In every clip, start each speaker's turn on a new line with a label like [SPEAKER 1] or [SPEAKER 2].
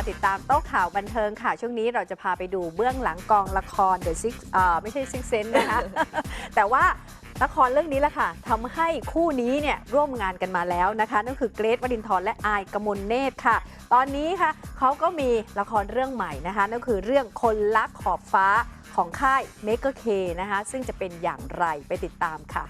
[SPEAKER 1] ติดตามโต๊ะข่าวบันเทิงค่ะช่วงนี้เราจะพาไปดูเบื้องหลังกองละคร The Six ไม่ใช่ Six Sense นะคะ แต่ว่าละครเรื่องนี้แหละค่ะทำให้คู่นี้เนี่ยร่วมงานกันมาแล้วนะคะนั่นคือเกรท วรินทร์และอายกมลเนตรค่ะตอนนี้ค่ะเขาก็มีละครเรื่องใหม่นะคะนั่นคือเรื่องคนรักขอบฟ้าของค่ายเมกะเคนะคะซึ่งจะเป็นอย่างไรไปติดตามค่ะ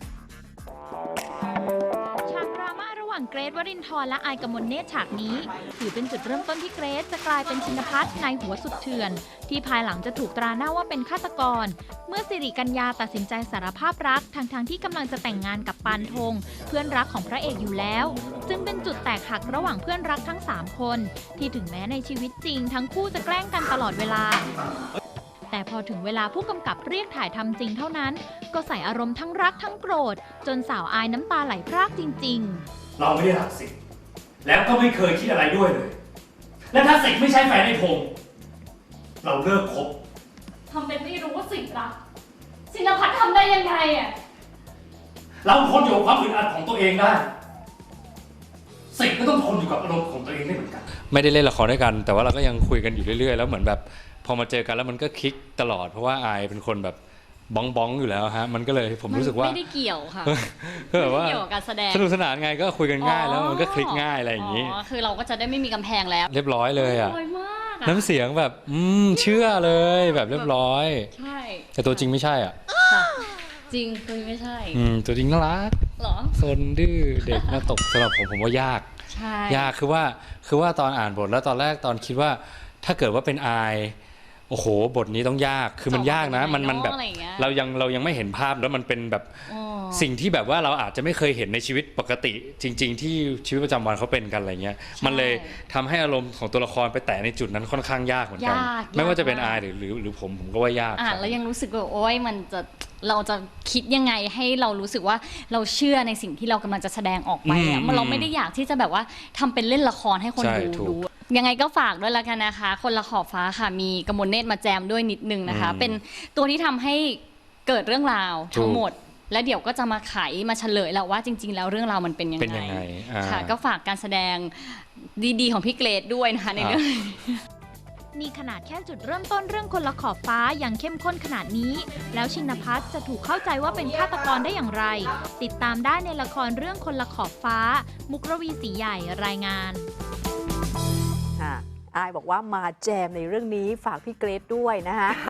[SPEAKER 2] ฉากดราม่าระหว่างเกรท วรินทร์และอายกมลเนตรฉากนี้ถือเป็นจุดเริ่มต้นที่เกรทจะกลายเป็นชินภัทรนายหัวสุดเถื่อนที่ภายหลังจะถูกตราหน้าว่าเป็นฆาตกรเมื่อสิริกัญญาตัดสินใจสารภาพรักทั้งที่กำลังจะแต่งงานกับปานธงเพื่อนรักของพระเอกอยู่แล้วจึงเป็นจุดแตกหักระหว่างเพื่อนรักทั้ง3คนที่ถึงแม้ในชีวิตจริงทั้งคู่จะแกล้งกันตลอดเวลาแต่พอถึงเวลาผู้กำกับเรียกถ่ายทำจริงเท่านั้นก็ใส่อารมณ์ทั้งรักทั้งโกรธจนสาวอายน้ำตาไหลพรากจริงๆ
[SPEAKER 3] เราไม่ได้รักสิทธิ์แล้วก็ไม่เคยคิดอะไรด้วยเลยและถ้าสิทธิ์ไม่ใช่แฟนในพงษ์เราเลิกคบ
[SPEAKER 4] ทำเป็นไม่รู้ว่าสิทธิ์รักชินภัทรทำได้ยังไงอ่ะ
[SPEAKER 3] เราทนอยู่กับความอึดอัดของตัวเองได้สิทธิ์ก็ต้องทนอยู่กับอารมณ์ของตัวเองได้เหมือนกัน
[SPEAKER 5] ไม่ได้เล่นละครด้วยกันแต่ว่าเราก็ยังคุยกันอยู่เรื่อยๆแล้วเหมือนแบบพอมาเจอกันแล้วมันก็คลิกตลอดเพราะว่าอายเป็นคนแบบบ้องอยู่แล้วฮะมันก็เลยผมรู้สึกว่า
[SPEAKER 4] ไม่ได้เกี่ยวค่ะ
[SPEAKER 5] ก็แบบว่า
[SPEAKER 4] ไม่ได้เกี่ยวกับการแสดง
[SPEAKER 5] สนุกสนานไงก็คุยกันง่ายแล้วมันก็คลิกง่ายอะไรอย่างนี้
[SPEAKER 4] คือเราก็จะได้ไม่มีกำแพงแล้ว
[SPEAKER 5] เรียบร้อยเลยอ่ะ
[SPEAKER 4] มาก
[SPEAKER 5] น้ำเสียงแบบเชื่อเลยแบบเรียบร้อย
[SPEAKER 4] ใช่
[SPEAKER 5] แต่ตัวจริงไม่ใช่อ่ะ
[SPEAKER 4] จริงตัวไม่ใช่
[SPEAKER 5] ตัวจริงน่ารัก
[SPEAKER 4] หรอ
[SPEAKER 5] ซนดื้อเด็กน่าตกสำหรับผมว่ายาก
[SPEAKER 4] ใช่
[SPEAKER 5] ยากคือว่าตอนอ่านบทแล้วตอนแรกตอนคิดว่าถ้าเกิดว่าเป็นอายโอ้โหบทนี้ต้องยากคือมันยากนะมันแบบเรายังไม่เห็นภาพแล้วมันเป็นแบบสิ่งที่แบบว่าเราอาจจะไม่เคยเห็นในชีวิตปกติจริงๆที่ชีวิตประจำวันเขาเป็นกันอะไรเงี้ยมันเลยทำให้อารมณ์ของตัวละครไปแตะในจุดนั้นค่อนข้างยากเหมือนกันไม่ว่าจะเป็นอายหรือผมก็ว่ายาก
[SPEAKER 4] แล้วยังรู้สึกว่าโอ๊ยเราจะคิดยังไงให้เรารู้สึกว่าเราเชื่อในสิ่งที่เรากำลังจะแสดงออกไปเราไม่ได้อยากที่จะแบบว่าทำเป็นเล่นละครให้คนดูยังไงก็ฝากด้วยละกันนะคะคนละขอบฟ้าค่ะมีกมลเนตรมาแจมด้วยนิดนึงนะคะเป็นตัวที่ทำให้เกิดเรื่องราวทั้งหมดและเดี๋ยวก็จะมาไขมาเฉลยแล้วว่าจริงๆแล้วเรื่องราวมันเป็นยังไงค่ะก็ฝากการแสดงดีๆของพี่เกรทด้วยนะคะในเรื่อง
[SPEAKER 2] นี่ขนาดแค่จุดเริ่มต้นเรื่องคนละขอบฟ้ายังเข้มข้นขนาดนี้แล้วชินภัทรจะถูกเข้าใจว่าเป็นฆาตกรได้อย่างไรติดตามได้ในละครเรื่องคนละขอบฟ้ามุกรวีศรีใหญ่รายงาน
[SPEAKER 1] อายบอกว่ามาแจมในเรื่องนี้ฝากพี่เกรทด้วยนะคะ